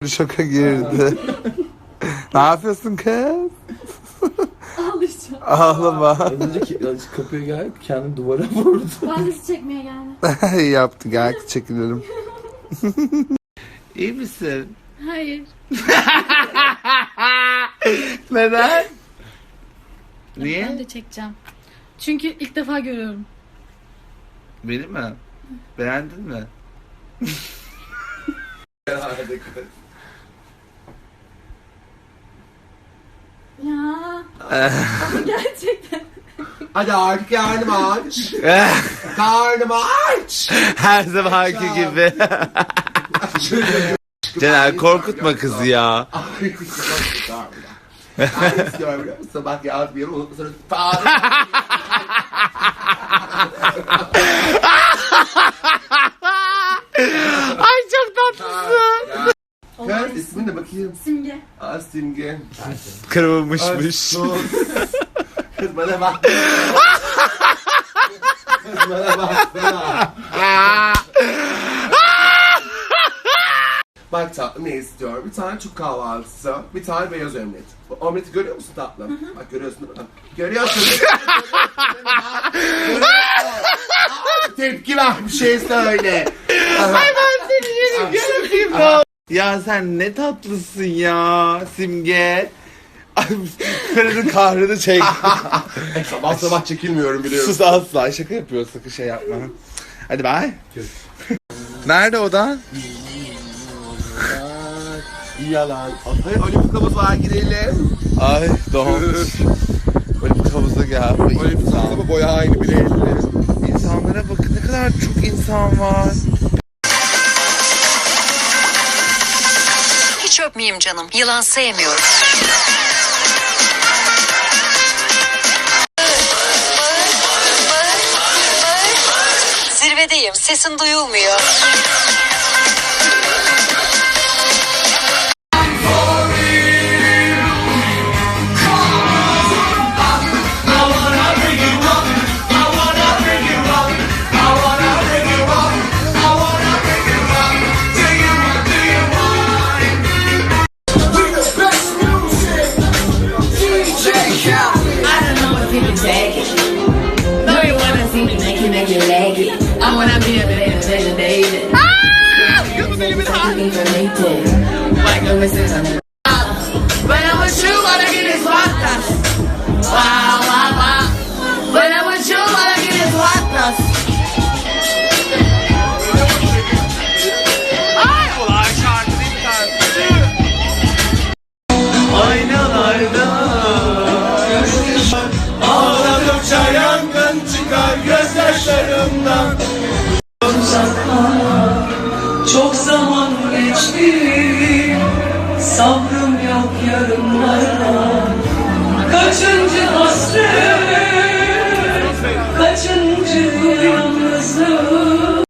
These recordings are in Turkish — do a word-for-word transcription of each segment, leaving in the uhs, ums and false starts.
Şoka girdi. Ne yapıyorsun kız? Ağlayacağım. Ağlama. Az önce ki, kapıya gelip kendini duvara vurdu. Ben de sizi çekmeye geldim. İyi yaptı, gel çekilelim. İyi misin? Hayır. Neden? Ben Niye? de çekeceğim. Çünkü ilk defa görüyorum. Beni mi? Beğendin mi? Ya. Ama gerçekten. Hadi artık karnım aç. Karnım aç. Her zamanki gibi. Caner korkutma kızı ya. Ben istiyorum biliyor musun? Bak ya bir yere unutma sonra falan. Ay çok tatlısın. Kız ismin de bakayım. Simge. Aa Simge. Kırılmışmış. Sus. Kız bana bak. Kız bana baksana. Bak tatlım ne istiyorum? Bir tane Türk kahvaltısı, bir tane beyaz omlet. Bu omleti görüyor musun tatlım? Hı hı. Bak görüyorsun değil mi? Görüyorsun. Görüyorsun. Aa, tepki ver, bir şey söyle. Ay ben seni yerim göreyim ne. Ya sen ne tatlısın ya Simge. Ay, Karının kahrını çek. Sabah sabah çekilmiyorum biliyorum. Sus asla, şaka yapıyorsun, sakın şey yapma. Hadi bye. Nerede odan? Yalan. Hayır olimpik havuza girelim. Ay donmuş. Olimpik havuza gel. Olimpik havuza boya aynı bile elli. İnsanlara bakın, ne kadar çok insan var. Hiç öpmeyeyim canım. Yılan sevmiyorum. Zirvedeyim. Sesin duyulmuyor. I wanna be a bit David. Ah! Kızın elimin hali. When I'm with you, all I get is water. Wow, wow, wow. When I'm with you, all I get is water. Ay ulan şarkı değil Aynalarda ağladıkça yangın çıkar gözyaşlarımdan. Çok zaman geçti, sabrım yok yarınlara. Kaçıncı hasret, kaçıncı yalnızlık.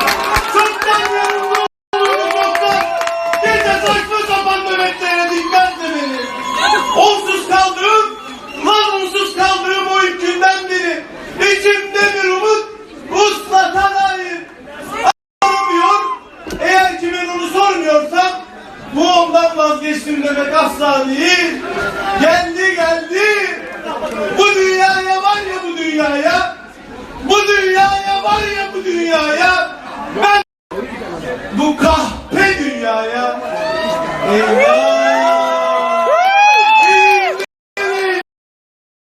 Bir de saçma sapan nöbetlere dinmez de beni. Onsuz kaldığım, lan onsuz kaldığım o ilk günden beri İçimde bir umut uslatan hayır. Sormuyor, eğer ki ben onu sormuyorsam bu ondan vazgeçtim demek asla değil. Geldi geldi. Bu dünyaya var ya bu dünyaya. Bu dünyaya var ya bu dünyaya. Ben bu kahpe dünyaya. Eyvah.